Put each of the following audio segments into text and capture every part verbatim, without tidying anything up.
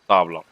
ตอบหรอก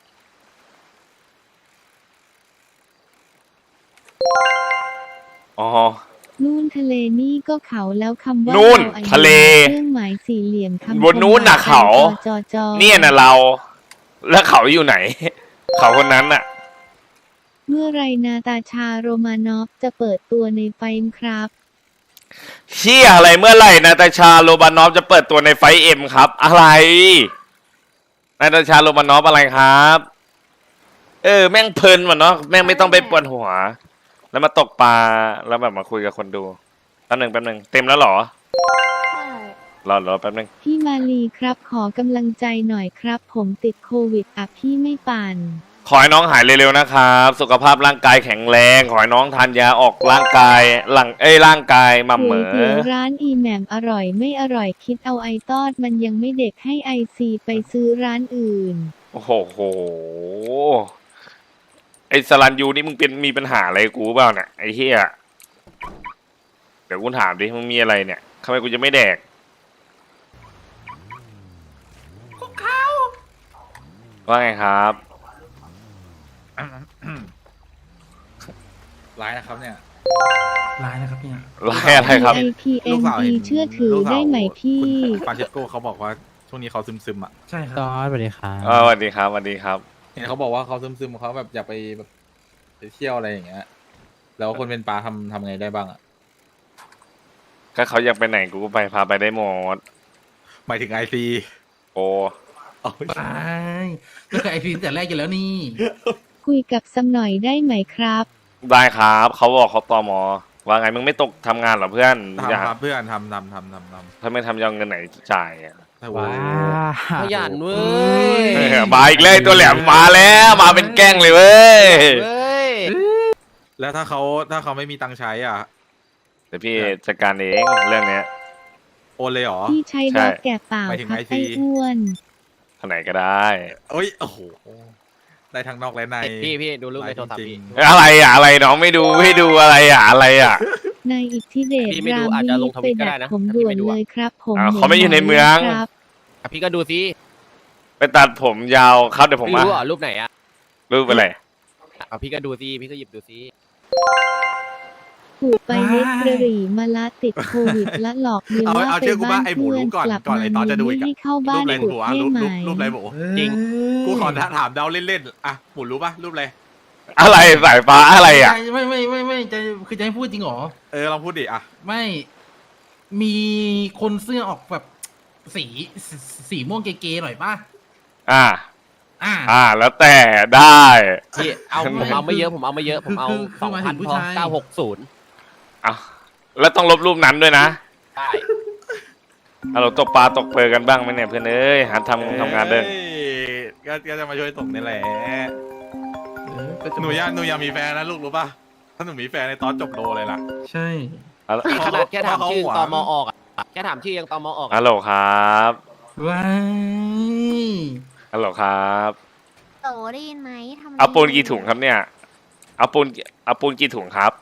อ๋อนู่นทะเลนี่ก็เขาแล้วคำว่านู่นเราอายุทะเลเครื่องหมายสี่เหลี่ยมคำบนนู้นน่ะคมเขาจอจอเนี่ยนะเรา แล้วเขาอยู่ไหน เขาคนนั้นน่ะเมื่อไรนาตาชาโรมานอฟจะเปิดตัวในไฟม์ครับเชี่ยอะไรเมื่อไหร่นาตาชาโรบานอฟจะเปิดตัวในไฟเอ็มครับ อะไรนาตาชาโรบานอฟอะไรครับ เออแม่งเพลินว่ะเนาะแม่งไม่ต้องไปปวดหัว แล้วมาตกปลาแล้วแบบมาคุยกับคนดูแป๊บหนึ่งแป๊บหนึ่งเต็มแล้วเหรอใช่รอรอแป๊บหนึ่งพี่มาลีครับขอกำลังใจหน่อยครับ ผมติดโควิดอ่ะพี่ไม่ปั่นขอให้น้องหายเร็วๆนะครับ สุขภาพร่างกายแข็งแรง ขอให้น้องทานยาออกร่างกายหลังเอ้ยร่างกายหม่ำเหมก๋วยอเตี๋ยวร้านอีแหม่มอร่อยไม่อร่อยคิดเอาไอตอดมันยังไม่เด็กให้ไอซีไปซื้อร้านอื่นโอ้โหโห ไอ้สลันยูนี่มึงเป็นมีปัญหาอะไรกูเปล่าเนี่ยไอ้เหี้ยเดี๋ยวกูถามดิมึงมีอะไรเนี่ยทำไมกูจะไม่แดกว่าไงครับร้ายนะครับเนี่ยร้ายนะครับเนี่ยไล่อะไรครับพี ไอ พี เอ็ลูนกสาวพีเห็นเชื่อถือลูกสาวได้ไหมพี่คุณปาเชโก้เขาบอกว่าช่วงนี้เขาซึมๆอ่ะใช่ครับตอนสวัสดีครับเออสวัสดีครับสวัสดีครับเห็นเขาบอกว่าเขาซึมๆเขาแบบอยากไปแบบไปเที่ยวอะไรอย่างเงี้ย แล้วคนเป็นปลาทำทำไงได้บ้างอ่ะก็เขาอยากไปไหนกูก็ไปพาไปได้หมดหมายถึงไอซีโอ้ไปก็คือไอพีตั้งแต่แรกอยู่แล้วนี่คุยกับซัมหน่อยได้ไหมครับได้ครับเขาบอกเขาตอมอว่าไงมึงไม่ตกทำงานเหรอเพื่อนอยากทำครับเพื่อนทำทำทำทำทำถ้าไม่ทำจะเอาเงินไหนจ่ายอะแต่ว่าว้าขยันเว้เอย อมาอีกเลยตัวแหลมมาแล้วมาเป็นแกล้งเลยเว้ยเว้ยแล้วถ้าเขาถ้าเขาไม่มีตังค์ใช้อ่ะเดี๋ยวพี่จัดการเองเรื่องเนี้ยโอนเลยเหรอพี่ใช้ใช่รถแก่เปล่าหมายถึงครับไอซีไอ้อ้วนทางไหนก็ได้เอ้ยโอ้โหได้ทั้งนอกและในพี่พี่ดูรูปในโทรศัพท์จริพี่งอะไรอ่ะอะไรน้องไม่ดูไม่ดูอะไรอ่ะอะไรอ่ะนายอิทธิเดชพี่ไม่ราดูมอาจวิจะลนิงจทไปวิตก็ดัได้กนะผมถ้าด่พี่วนไม่ดูเลอะยครับ ผมอ่าเขาไม่อยู่ในเมืองครับอ่ะพี่ก็ดูซิไปตัดผมยาวครับเดี๋ยวผมไม่มารู้เหรอรูปไหนอ่ะรูปอะไรอ่ะพี่ก็ดูซิพี่ก็หยิบดูซิผูกไปเล็กกระหรี่มาละติดโควิดและหลอกเมียเอาว่าเอาไปเชื่อกูบ้าว่าน ไอ้หมูเพื่อนรู้ก่อนกลับก่อนมาไอ้ตอนจะดูอีไม่กอะให้เข้ารูบ้าปนอะไรขุดหัวให้รูปไหมรูปรูปอะไรหมูจริงกูขอถามเดาเล่นๆอ่ะหมูรู้ป่ะรูปอะไรอะไรสายฟ้าอะไรอ่ะไม่ไม่ไม่ไม่จะคือจะให้พูดจริงเหรอเออลองพูดดิอ่ะไม่ มีคนเสื้อออกแบบสีสีสีม่วงเก๋ๆหน่อยป่ะอ่าอ่าอ่าแล้วแต่ได้พี่เอาผมเอาไม่เยอะผมเอาไม่เยอะผมเอาคือคือสองหมายพัถึนงผู้พอชายเก้าหกศูนย์อ่ะแล้วต้องลบรูปนั้นด้วยนะได้เอาเราตกปลาตกเปลือกันบ้างไหมเนี่ยเพื่อนเอ้ยหาทำทำงานเด้ออ้ยก็ก็จะมาช่วยส่งนี่แหละเออก็จะหนูอยากหนูอยากมีแฟนนะลูกรู้ป่ะถ้าหนูมีแฟนในตอนจบโลเลยล่ะใช่เอาละนี่ขนาดแค่ถามชื่อเพราะตเขาหวังมออกอ่ะแค่ถามชื่อยังตมออกฮัลโหลครับว้ายฮัลโหลครับโตได้ยินไหมทำเอาปูนกี่ถุงครับเนี่ยเอาปูนเอาปูนกี่ถุงครับ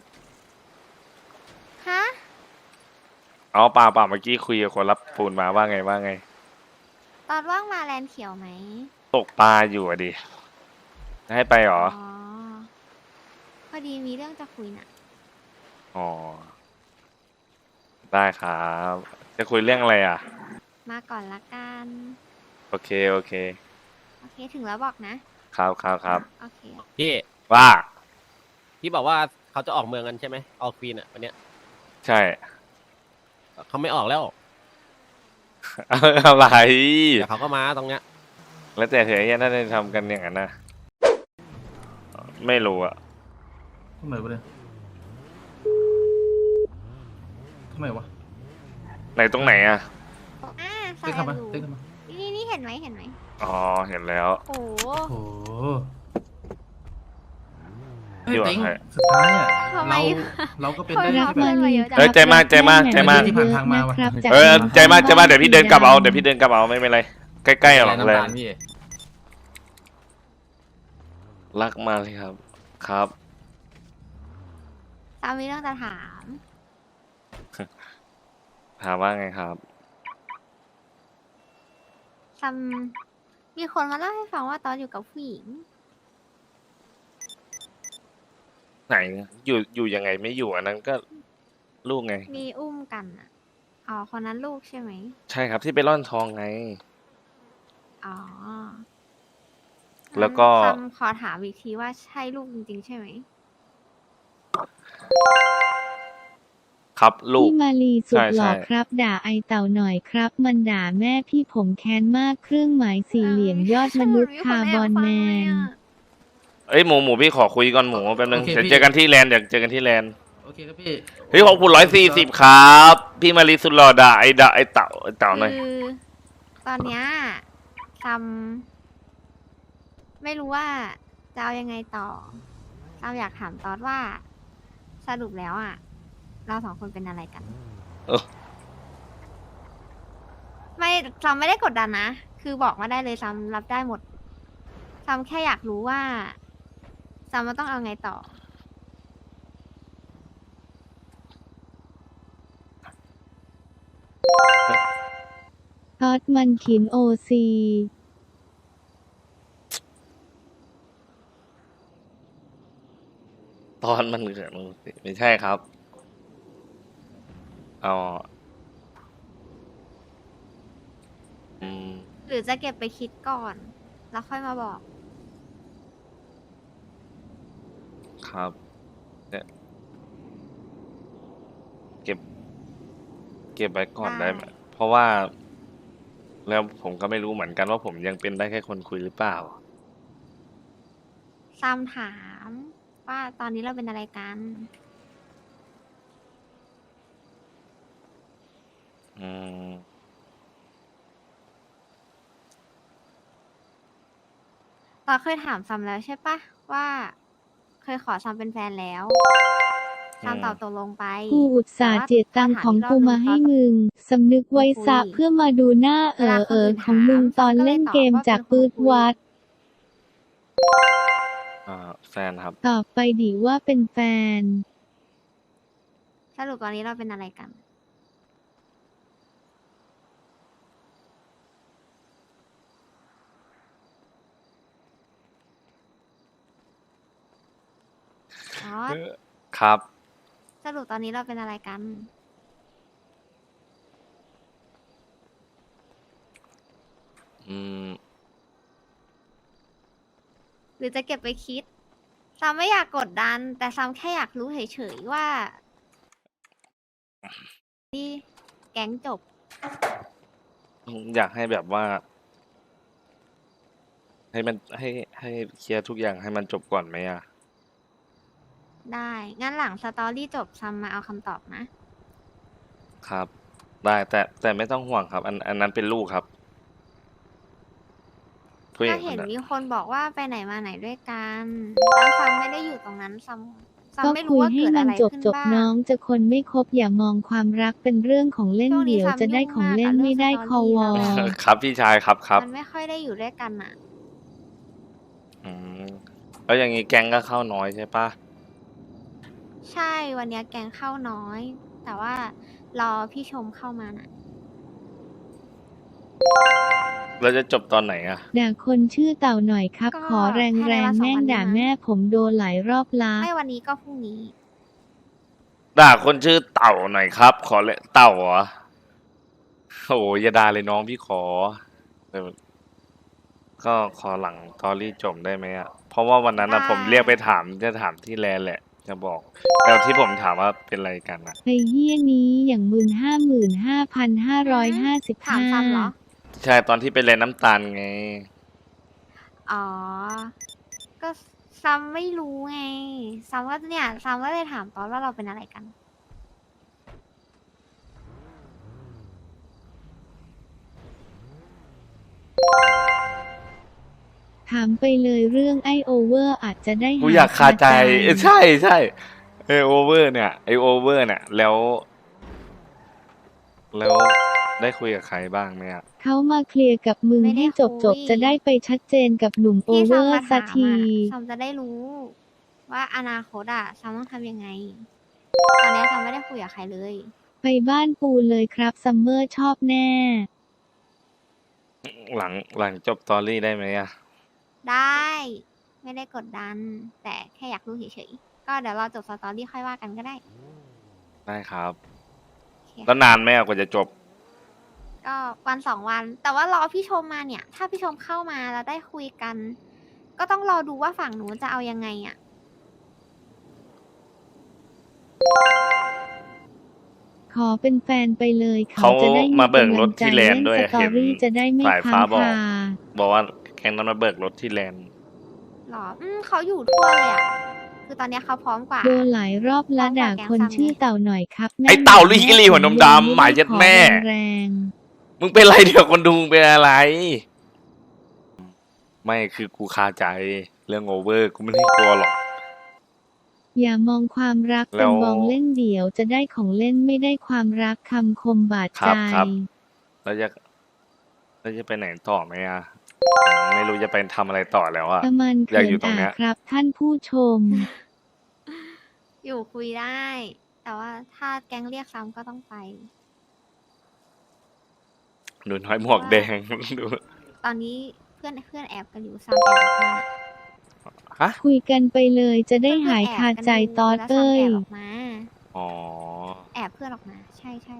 ฮะเอาเปล่าเปล่าเมื่อกี้คุยกับคนรับปูนมาว่าไงว่าไงตอนว่างมาแลนด์เขียวไหมตกปลาอยู่อะดิให้ไปเหรออ๋อพอดีมีเรื่องจะคุยน่ะอ๋อได้ครับ จะคุยเรื่องอะไรอ่ะมาก่อนละกันโอเคโอเคโอเคถึงแล้วบอกนะครับครับครับโอเคพี่ว่าพี่บอกว่าเขาจะออกเมืองกันใช่ไหมออกควีนอ่ะวันเนี้ยใช่เขาไม่ออกแล้วอะไรแต่เขาก็มาตรงเนี้ยแล้วแต่เธอไอ้เหี้ยน่าจะทำกันอย่างนั้นนะไม่รู้อะทำไมวะเนี่ยทำไมวะไหนตรงไหนอะอ่าใส่เต้นทำไมรูเต้นทำไมนี่นี่เห็นไหมเห็นไหมอ๋อเห็นแล้วโอ้โหโอ้โหเฮ้ยอยู่กับเต็งใครสุดท้ายอ่ะทำไมเราเราก็เป็นคนได้เราแค่เพื่แบอนบเราเยอะจังเอ้ยใจมากใจมากใจมากที่ผ่านทางมาว่ะนะครับจากเออใจมากใจมากเดี๋ยวพี่เดินกลับเอาเดี๋ยวพี่เดินกลับเอาไม่เป็นไรใกล้ๆหรอกเลยรักมาเลยครับ ครับตามมีเรื่องจะถามถามว่าไงครับซัมมีคนมาเล่าให้ฟังว่าตอนอยู่กับผู้หญิงไหนอยู่อยู่ยังไงไม่อยู่อันนั้นก็ลูกไงมีอุ้มกันอ่ะ อ๋อ คนนั้นลูกใช่ไหมใช่ครับที่ไปร่อนทองไงอ๋อแล้วก็คำขอถามอีกทีว่าใช่ลูกจริงๆใช่ไหมครับลูกพี่มาลีสุดใช่หล่อใช่ครับ ด่าไอเต่าหน่อยครับ มันด่าแม่พี่ผมแค้นมากเครื่องหมายสี่เหลี่ยมยอดมนุษย์คาร์บอนแมนเอ้ยหมูหมูพี่ขอคุยก่อนหมูแป๊บนึงโอเคเดี๋ยวพี่เจอกันที่แลนด์เดี๋ยวเจอกันที่แลนด์โอเคครับพี่เฮ้ยขอบคุณร้อยสี่สิบครับ พี่มารีสุดหล่อด่าไอ้ด่าไอ้เต่าไอ้เต่าหน่อยคือตอนเนี้ยซัมไม่รู้ว่าจะเอายังไงต่อซัมอยากถามตอดว่าสรุปแล้วอ่ะ เราสองคนเป็นอะไรกันเออไม่ซัมไม่ได้กดดันนะ คือบอกมาได้เลยซัมรับได้หมดซัมแค่อยากรู้ว่าซัมมันต้องเอาไงต่อทอดมันขินโอซีตอนมันเกิดมันไม่ใช่ครับเอาอืมหรือจะเก็บไปคิดก่อน แล้วค่อยมาบอกครับเนี่ยเก็บ เก็บไว้ก่อนได้ไหมได้เพราะว่า แล้วผมก็ไม่รู้เหมือนกันว่าผมยังเป็นได้แค่คนคุยหรือเปล่าซัมถาม ว่าตอนนี้เราเป็นอะไรกันอืมตอนเคยถามซัมแล้วใช่ปะว่าเคยขอซัมเป็นแฟนแล้วซัมอืมตอบตกลงไปกูอุตส่าห์เจียดตังค์ของกูมาให้มึง สำนึกไว้ซะเพื่อมาดูหน้าเออเออของมึงตอนเล่นเกมจากปืดวัดอ่าแฟนครับตอบไปดิว่าเป็นแฟนสรุปตอนนี้เราเป็นอะไรกัน อ๋อครับสรุปตอนนี้เราเป็นอะไรกันอืมหรือจะเก็บไปคิดซัมไม่อยากกดดัน แต่ซัมแค่อยากรู้เฉยๆว่าที่แก๊งจบอยากให้แบบว่า ให้มันให้ให้เคลียร์ทุกอย่างให้มันจบก่อนไหมอ่ะได้ งั้นหลังสตอรี่จบซัมมาเอาคำตอบนะครับ ได้แต่แต่ไม่ต้องห่วงครับ อันอันนั้นเป็นลูกครับผู้หญิก็งคเห็นนนั้นมีคนบอกว่าไปไหนมาไหนด้วยกันแล้วซัมไม่ได้อยู่ตรงนั้นซัมซัมก็ไม่คุรู้ยว่าให้เกิดมัอะนไรจบขึ้นจบบ้าน้อง งจะคนไม่คบอย่ามองความรักเป็นเรื่องของเล่นช่วงนี้เดี๋ยวซัมจะได้ยุ่งของมากเล่นกับไม่เรื่องได้สคตออรี่วอแล้วอะครับพี่ชายครับครับมันไม่ค่อยได้อยู่ด้วยกันอะอืมแล้วอย่างนี้แก๊งก็เข้าน้อยใช่ปะใช่วันเนี้ยแกงเข้าน้อย แต่ว่ารอพี่ชมเข้ามาน่ะเราจะจบตอนไหนอ่ะด่าคนชื่อเต่าหน่อยครับก็ขอแรงภายแรในวังนสองแม่งวันนี้ด่ามั้งแม่ผมโดนหลายรอบละไม่วันนี้ก็พรุ่งนี้ด่าคนชื่อเต่าหน่อยครับ ขอเลยเต่าเหรอโอ้ยอย่าด่าเลยน้องพี่ขอเออก็ขอหลังตอรี่จบได้ไหมอ่ะ เพราะว่าวันนั้นนะได้ผมเรียกไปถามจะถามที่แลนด์แหละ จะบอกแล้วที่ผมถามว่าเป็นอะไรกันอ่ะไอ้เหี้ยนี้อย่างมึนห้าหมื่นห้าพันห้าร้อยห้าสิบถามห้าซัมเหรอใช่ตอนที่ไปแลนด์น้ำตาลไงอ๋อ ก็ซัมไม่รู้ไงซัมก็เนี่ยซัมก็เลยถามตอนว่าเราเป็นอะไรกันถามไปเลยเรื่องไอโอเวอร์อาจจะได้กูหอยากคาใจคเออใช่ใช่ไอโอเวอร์เนี่ยไอโอเวอร์เนี่ยแล้ว แล้วได้คุยกับใครบ้างไหมอ่ะเขามาเคลียร์กับมึงไม่ได้ให้จบจบคุยจะได้ไปชัดเจนกับหนุ่มโอที่เวซัอมร์มาสัถาก มทีอะซัมจะได้รู้ ว่าอนาคตอะซัมต้องทำยังไง ตอนนี้ซัมไม่ได้คุยกับใครเลยไปบ้านปูเลยครับซัมเมอร์ชอบแน่อหลังหลังจบตอรี่ได้ไหมอะได้ ไม่ได้กดดัน แต่แค่อยากรู้เฉยๆ ก็เดี๋ยวรอจบสตอรี่ค่อยว่ากันก็ได้ได้ครับโอเคแล้วนานไหมอะกว่าจะจบก็วันสองวัน แต่ว่ารอพี่ชมมาเนี่ย ถ้าพี่ชมเข้ามาแล้วได้คุยกัน ก็ต้องรอดูว่าฝั่งหนูจะเอายังไงอะขอเป็นแฟนไปเลยเขาจะได้มาเบิกรถำลังใจที่แลนด์ด้วยเล่นสตอรี่เห็นจะได้ไม่สายฟ้าค้างบอกคาบอกว่าแก๊งนั้นมาเบิกรถที่แลนด์หรอ อืมเขาอยู่ทั่วเลยอะคือตอนเนี้ยเขาพร้อมกว่าโดนหลายรอบละด่าคนชื่อเต่าหน่อยครับไอ้เต่าลิกิลีหัวนมดำหมายยัดแม่แรงมึงเป็นไรเดี๋ยวคนดูมึงเป็นอะไร ไม่คือกูคาใจเรื่องโอเวอร์กูไม่ได้กลัวหรอกๆอย่ามองความรักแล้เป็นวมองเล่นเดี่ยวจะได้ของเล่นไม่ได้ความรักคำคมบาดครัใจบครับ แล้วจะแล้วจะไปไหนต่อไหมอะไม่รู้จะไปทำอะไรต่อแล้วอะประมาณอยากเขิอยู่นตรงอ่ะเนี้ยครับ ท่านผู้ชมอยู่คุยได้ แต่ว่าถ้าแก๊งเรียกซ้ำก็ต้องไปหนูน้อยหมวกแดง ดูตอนนี้เพื่อนเพื่อนแอบกันอยู่ซ้ำแอบออกมาฮะคุยกันไปเลยจะได้หายคาใจตอดแล้วเอ้ซ้ำแอบยออกมาอ๋อแอบเพื่อนออกมา ใช่ใช่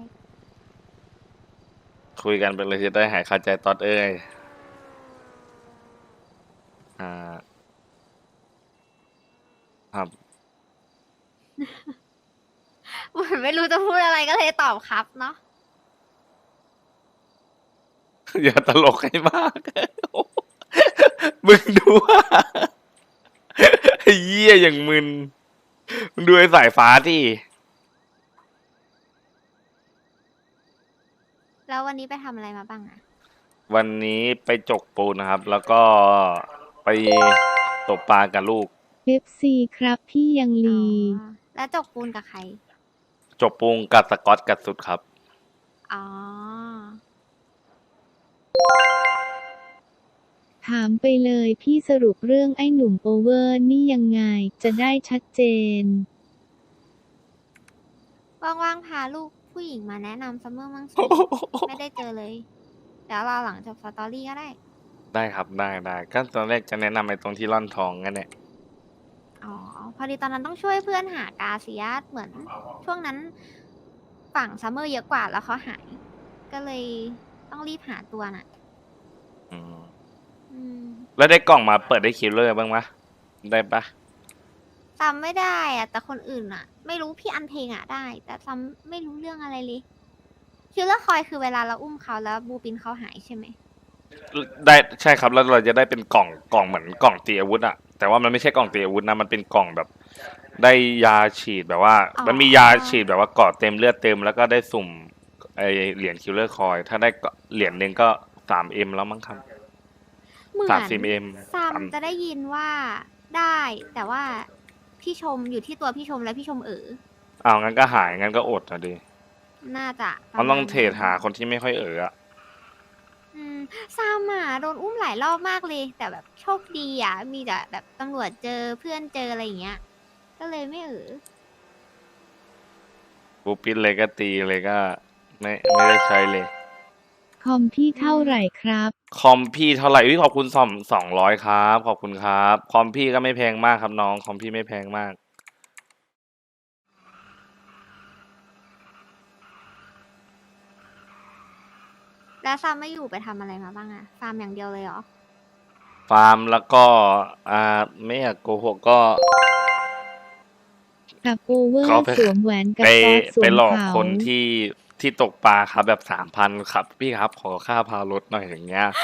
คุยกันไปเลยจะได้หายคาใจตอดเอ้ย อ่า ครับเหมือนไม่รู้จะพูดอะไรก็เลยตอบครับเนาะอย่าตลกให้มาก มึงดูว่าไอ้เหี้ยอย่างมึน มึงดูไอ้สายฟ้าที่แล้ววันนี้ไปทำอะไรมาบ้างอะวันนี้ไปจกปูนนะครับ แล้วก็ไปตกปลากับลูกเอฟ ซี ครับพี่ยังอ๋ลีอแล้วจกปูนกับใครจกปูนกับสกอตกับสุดครับอ๋อถามไปเลยพี่สรุปเรื่องไอ้หนุ่มโอเวอร์นี่ยังไง จะได้ชัดเจนว่างๆพาลูกผู้หญิงมาแนะนำซัมเมอร์มั่งสิ ไม่ได้เจอเลย เดี๋ยวรอหลังจบสตอรี่ก็ได้ได้ครับได้ได้ก็ตอนแรกจะแนะนำไอ้ตรงที่ร่อนทองนั่นแหละอ๋อ พอดีตอนนั้นต้องช่วยเพื่อนหากาเซียสเหมือน ช่วงนั้นฝั่งซัมเมอร์เยอะกว่าแล้วเขาหาย ก็เลยต้องรีบหาตัวน่ะอืมอืมแล้วได้กล่องมาเปิดได้คิลเลอร์บ้างมะได้ปะจำไม่ได้อะแต่คนอื่นอะไม่รู้พี่อันเพลงอะได้ แต่จำไม่รู้เรื่องอะไรเลยคิลเลอร์คอยคือเวลาเราอุ้มเขาแล้วบูปินเขาหายใช่ไหมได้ใช่ครับแล้วเราจะได้เป็นกล่องกล่องเหมือนกล่องตีอาวุธอะแต่ว่ามันไม่ใช่กล่องตีอาวุธนะมันเป็นกล่องแบบ ได้ยาฉีดแบบว่าอ๋อมันมียาฉีดแบบว่าเกาะเต็มเลือดเต็มแล้วก็ได้สุ่มไอเหรียญคิลเลอร์คอยถ้าได้เหรียญหนึ่งก็สามเอ็มแล้วมั้งครับเหมือนสามสิบเอ็มซัมจะได้ยินว่าได้ แต่ว่าพี่ชมอยู่ที่ตัวพี่ชมและพี่ชมเอออ้าวงั้นก็หายงั้นก็อดอะดิน่าจะประมันต้องมาณเทรดหาคนที่ไม่ค่อยเอออะอืมซัมอ่ะโดนอุ้มหลายรอบมากเลย แต่แบบโชคดีอ่ะ มีแต่แบบตำรวจเจอเพื่อนเจออะไรอย่างเงี้ย ก็เลยไม่เออบูปินเลยก็ตีเลยก็ไม่ไม่ได้ใช้เลยคอมพี่เท่าไหร่ครับคอมพี่เท่าไหร่อุ๊ยขอบคุณสองสองร้อยครับ ขอบคุณครับ คอมพี่ก็ไม่แพงมากครับน้อง คอมพี่ไม่แพงมากแล้วซัมไม่อยู่ไปทำอะไรมาบ้างอะฟาร์มอย่างเดียวเลยเหรอฟาร์มแล้วก็ อ่า ไม่อยากโกหกก็กับโอเวอร์เขาไปสวมแหวนกับไปตอดสวไปมหลอกเขาคนที่ที่ตกปลาครับแบบสามพันครับ พี่ครับ ขอค่าพารถหน่อยอย่างเงี้ย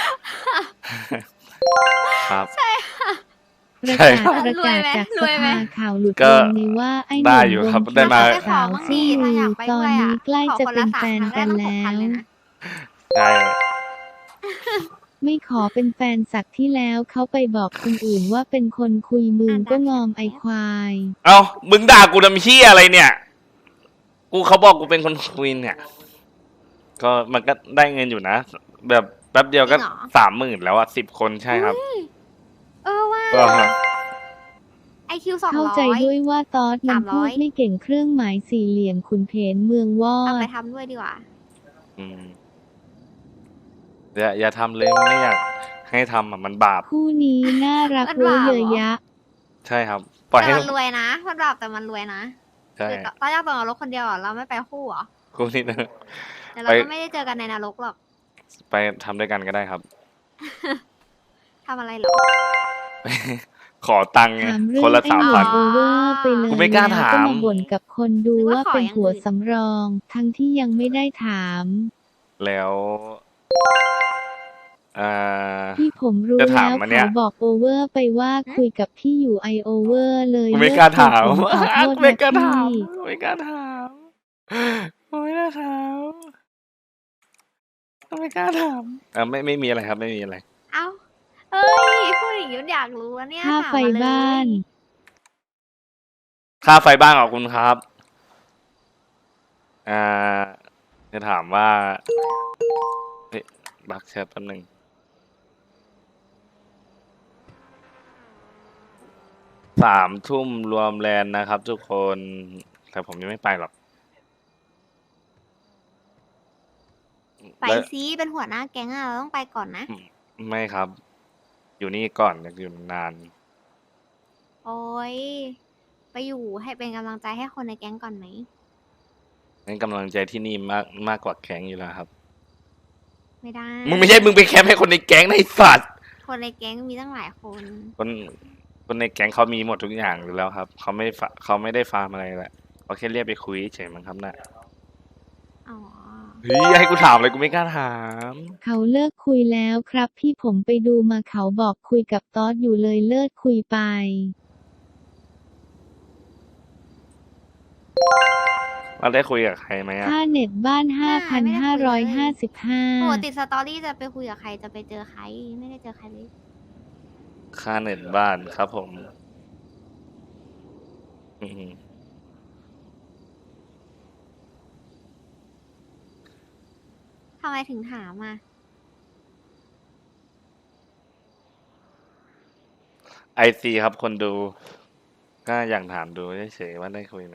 ครับประใช่กาศครับประกาศรวยไหมจากรสวยไหมภาข่าวหลุดก็ลงนี้ว่าไอ้หได้นุ่มอยู่วงครับได้มาสาวซี่ถ้าลือยาอกไปตอด้นวยนี้อะใกล้ขอจะคนเป็ละนสามแฟนครั้งกันได้แล้ตั้งหกพันวเลยนะใช่ไม่ขอเป็นแฟนสักที่แล้วเขาไปบอกคนอื่นว่าเป็นคนคุยมึงอ่ะก็ได้งอมไอควายเอ้า มึงด่ากูทำเชี่ยอะไรเนี่ย กูเขาบอกกูเป็นคนคุยเนี่ย ก็มันก็ได้เงินอยู่นะ แบบแป๊บเดียวก็จริงเหรอสามหมื่นแล้วอะสิบคนใช่ครับเออว่าก็ฮะไอคิวสองเข้าร้ใจอยด้วยว่าตอดมันสามร้พูอดยไม่เก่งเครื่องหมายสี่เหลี่ยมขุนเพนเมืองวอเอาไปดทำด้วยดีกว่าอืมอย่าอย่าทำเลยไม่อยากให้ทำอ่ะมันบาปคู่นี้น่ารักมันเวอร์บาปเยเหรอะอยะใช่ครับ ปล่อยแต่ให้มันรวยนะมันแบบแต่มันรวยนะใช่คือตอนแรกตอนนรกคนเดียวเหรอเราไม่ไปคู่เหรอกูนี่นะแต่เราไปก็ไม่ได้เจอกันในนรกหรอกไปทำด้วยกันก็ได้ครับทำอะไรหรอขอตังค์ไงถามเรื่คอน งละไอ้สามหมพัวน ดโอเวอร์ไปเลยกูไม่กล้าแล้วถามก็มาบ่นกับคนดูนึกว่าว่าขอเป็นอย่างหัวอื่นสำรอง ทั้งที่ยังไม่ได้ถามแล้วอ่าที่ผมรู้จะถาแล้มวอันเนี้ยเขาบอกโอเวอร์ไปว่าคุยกับพี่อยู่ไอโอเวอร์เลยกูไม่กล้าถามเลิกคุยผมขอโทษไม่นะกล้าถามพี่ไม่กล้าถามไม่กล้าถามไม่กล้าถามอ่าไม่ไม่มีอะไรครับ ไม่มีอะไรเอ้าเอ้ยพูดอย่างนี้อยากรู้อะเนี่ยค่าถามไฟมเลยบ้านค่าไฟบ้านขอบคุณครับ อ่า จะถามว่าเฮ้ยบักแชทแป๊บนึงสามทุ่มรวมแลนด์นะครับ ทุกคน แต่ผมยังไม่ไปหรอกไปแล้วซีเป็นหัวหน้าแก๊งอะเราต้องไปก่อนนะไม่ครับ อยู่นี่ก่อนอยากอยู่นานโอ้ยไปอยู่ให้เป็นกำลังใจให้คนในแก๊งก่อนไหมงั้นกำลังใจที่นี่มากมากกว่าแก๊งอยู่แล้วครับไม่ได้มึงไม่ใช่มึงไปแคมป์ให้คนในแก๊งในะไอ้สัตว์คนในแก๊งมีตั้งหลายคนคนคนในแก๊งเขามีหมดทุกอย่างอยู่แล้วครับ เขาไม่ฟาเขาไม่ได้ฟาร์มอะไรแหละเขาแค่เรียกไปคุยเฉยมั้งครับน่ะอ๋อเฮ้ยให้กูถามเลยกูไม่กล้าถามเขาเลิกคุยแล้วครับ พี่ผมไปดูมาเขาบอกคุยกับตอสอยู่เลยเลิกคุยไปเราได้คุยกับใครไหมอะค่าเน็ตบ้าน ห้าพันห้าร้อยห้าสิบห้าปกติสตอรี่จะไปคุยกับใครจะไปเจอใครไม่ได้เจอใครเลยค่าเน็ตบ้านครับผม อืมทำไมถึงถามอ่ะไอซีครับคนดู ก็อยากถามดูเฉยๆว่าได้คุยไหม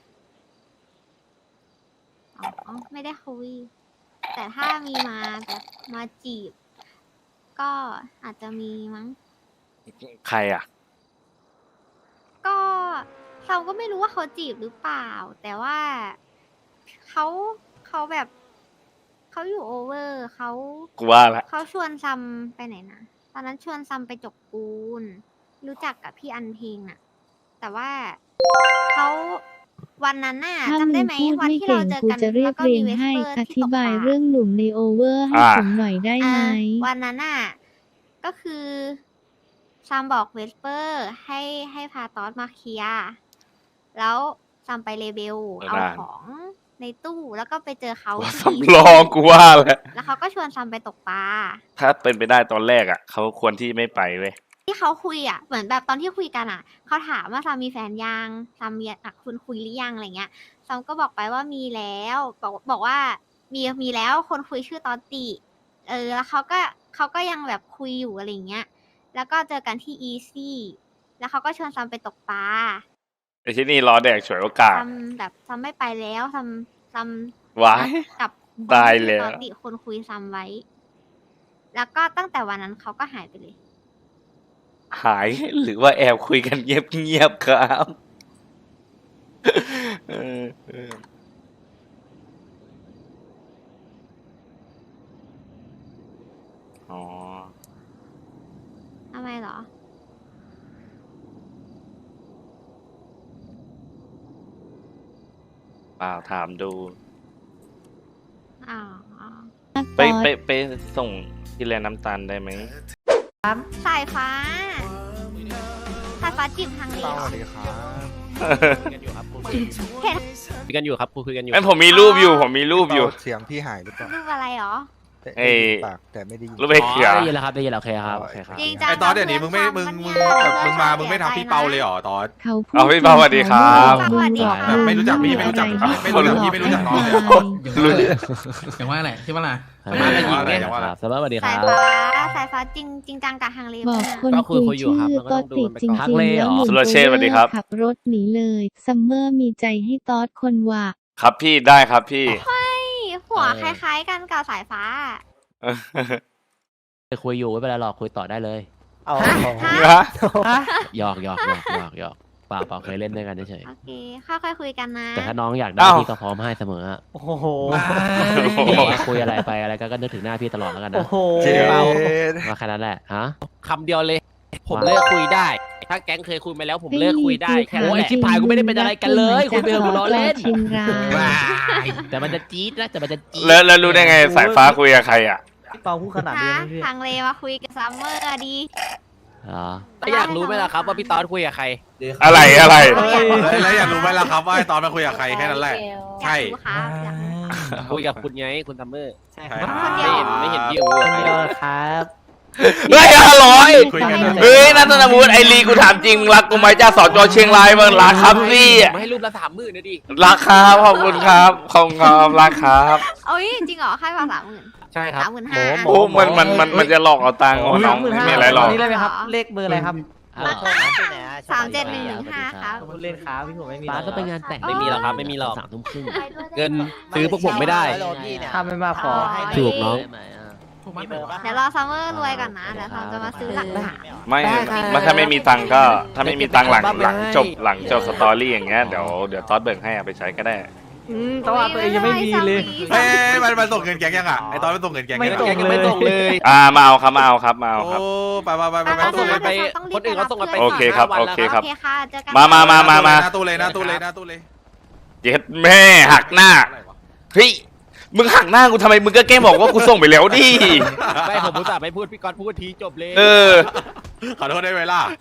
อ๋อ ไม่ได้คุย แต่ถ้ามีมาแบบมาจีบ ก็อาจจะมีมั้งใครอ่ะก็เราก็ไม่รู้ว่าเขาจีบหรือเปล่า แต่ว่าเขาเขาแบบเขาอยู่โอเวอร์เขากูว่าละเขาชวนซัมไปไหนนะตอนนั้นชวนซัมไปจกปูน รู้จักกับพี่อันเพลงน่ะ แต่ว่าเขาวันนั้นน่ะถ้าจำมึได้งไหมพูดวันไม่ที่เก่เรางเจอกูกันจะเรียแล้บวก็เรีมียงเวสให้เปอร์อที่ธิตกบายปลาเรื่องหนุ่มในโอเวอร์ให้อ่าผมหน่อยได้ไหมอ่ะวันนั้นน่ะ ก็คือซัมบอกเวสเปอร์ให้ให้พาตอสมาเคลียร์แล้วซัมไปเลเบลเออเอาได้ของในตู้แล้วก็ไปเจอเขาว่าที่สำรองกูว่าแหละแล้วเขาก็ชวนซัมไปตกปลาถ้าเป็นไปได้ตอนแรกอ่ะ เขาควรที่ไม่ไปเว้ยที่เขาคุยอ่ะเหมือนแบบตอนที่คุยกันอ่ะเขาถามว่าซัมมีแฟนยังซัมมีอ่ะคุณคุยหรือยังอะไรเงี้ยซัมก็บอกไปว่ามีแล้วบอกบอกว่ามีมีแล้วคนคุยชื่อตอนติ เออ แล้วเขาก็เขาก็ยังแบบคุยอยู่อะไรเงี้ย แล้วก็เจอกันที่อีซี่แล้วเขาก็ชวนซัมไปตกปลาไอ้ที่นี่รอแดกฉวยโอกาสซัมแบบซัมไม่ไปแล้วซัมซัมว้ายกับตายแล้วตอนติคนคุยซัมไว้ แล้วก็ตั้งแต่วันนั้นเขาก็หายไปเลยหายหรือว่าแอบคุยกันเงียบๆครับเออเอออ๋อทำไมเหรอเปล่าถามดูอ๋อไปไปไปส่งที่แลน้ำตาลได้ไหมสายฟ้า สายฟ้าจีบทางนี้เหรอคุยกันอยู่ครับคุยเห็นคุยกันอยู่ครับคุยกันอยู่งั้นผมมีรูปอยู่ ผมมีรูปอยู่เสียงพี่หายหรือเปล่ารูปอะไรเหรอแต่เอ้ได้ยยินปากแต่ไม่ได้ยินรูปไอ้อ๋อเขือได้ยินแล้วครับได้ยินแล้วโอเคครับโอเคครับจริงจังไอตอนเดี๋ยวนี้มึงไม่มึงมึงแบบมึงมามึงไม่ทำพี่เปาเลยเหรอตอนเขาพูดเอาพี่เปาสวัสดีครับเขาบอกแบบไม่รู้จักพี่ไม่รู้จักอะไม่รู้จักพี่ไม่รู้จักน้องเลยอย่างว่าแหละอย่างว่าแหละใช่ปะล่ะสวัสดีครับสวัสดีคสารัยบฟ้า สายฟ้าจริงจริงจังกับทางเลบอกเนี่ยคนก็คุคุยยคุยอยู่ชื่ครับอแล้วก็ก็ต้องดูติดมันจไปริก่อนงๆแล้วหนุ่มสุรเชษฐ์สวัสดีครับขับรถหนีเลยซัมเมอร์มีใจให้ตอสคนว่าครับพี่ได้ครับพี่หัวคล้ายๆกันกับสายฟ้าคุยอยู่ไม่เป็นไรหรอกคุยต่อได้เลยเอาฮะหยอกหยอกหยอกหยอกหยอกเปล่าเปล่าเคยเล่นด้วยกันเฉยโอเคค่อยๆคุยกันนะๆแต่ถ้าน้องอยากได้อ้าวพี่ก็พร้อมให้เสมออะโอ้โหบอกว่าคุยอะไรไปอะไรก็ก็นึกถึงหน้าพี่ตลอดแล้วกันโอ้นะโหว่าแค่นั้นแหละฮะคำเดียวเลย ผมว่าเลิกคุยได้ ถ้าแก๊งเคยคุยมาแล้วผมเลิกคุยได้แค่โอ้นั้นยแหละชิบหายกูไม่ได้เป็นอะไรกันเลยคุยไปเถอะกูล้อเล่นชินรายแต่มันจะจี๊ดนะแต่มันจะจี๊ดแล้วแล้วรู้ได้ไงสายฟ้าคุยกับใครอ่ะพี่เปาพูดขนาดนี้ฮะนะพี่ทางเลมาคุยกับซัมเมอร์อะดีเหรอแล้วอยากรู้ไหมล่ะครับว่าพี่ตอนคุยกับใครอะไรอะไรแล้วแล้วอยากรู้ไหมล่ะครับว่าไอ้ตอนมาคุยกับใครแค่นั้นแหละ ใช่อยากรู้ครับอยากรู้คุยกับคุณไงคุณซัมเมอร์ใช่ใช่ครับคนเดีไม่ยวเห็นไม่เห็นพี่อู๋คนเดียวครับเฮ้ยอร่อยคุยกันนะเฮ้ยนัทนวุฒิไอรีกูถามจริงรักกูไหมจ้าสอจอเชียงรายมึงรักครับพี่ไม่ให้รูปละสามหมื่นนะดิรักครับขอบคุณครับขอบคุณครับรักครับเอ้ยจริงเหรอค่ายมาสามหมื่นใช่ครับสามหมื่นห้าโอ้มันมันมันมันจะหลอกเอาตังค์โอ้น้องไม่มีอะไรหรอกนี่เลยไหมครับ เลขเบอร์อะไรครับอ้าวสามเจ็ดหนึ่งหนึ่งห้าครับพูดเล่นครับพี่ผมไม่มีป้าก็ไปงานแต่งไม่มีหรอกครับไม่มีหรอกสามทุ่มครึ่งเงินซื้อพวกผมไม่ได้ถ้าไม่มากพอถูกน้องถูกไหมเดี๋ยวรอซัมเมอร์รวยก่อนนะเดี๋ยวซัมจะมาซื้อหลักฐานไม่มันถ้าไม่มีตังค์ก็ถ้าไม่มีตังค์หลังหลังจบหลังจบสตอรี่อย่างเงี้ยเดี๋ยวเดี๋ยวตอสเบิกให้เอาไปใช้ก็ได้อืมแต่ว่าตัวเองยังไม่มีเลยเฮ้ยมันมันส่งเงินแก๊งยังอ่ะไอ้ตอนมันส่งเงินแก๊งไม่ยังส่งแกยังไม่ส่งเลยอ่ามาเอาครับมาเอาครับมาเอาครับโอ้ไปไปไปไปไปเขาตู้ส่งเลกัยนไปคนอื่นเขาส่งกันไปโอเคครับสี่ห้าวันโอเคครับโอเคค่ะเจอกันมามามามามาหน้าตู้เลยหน้าตู้เลยหน้าตู้เลยเจ็ดแม่หักหน้าเฮ้ยมึงหักหน้ากูทำไมมึงก็แกล้งบอกว่ากูส่งไปแล้วดิไม่ผมรู้จักไม่พูดพี่กรณ์พูดทีจบเลยเออขอโทษได้ไหมล่ะ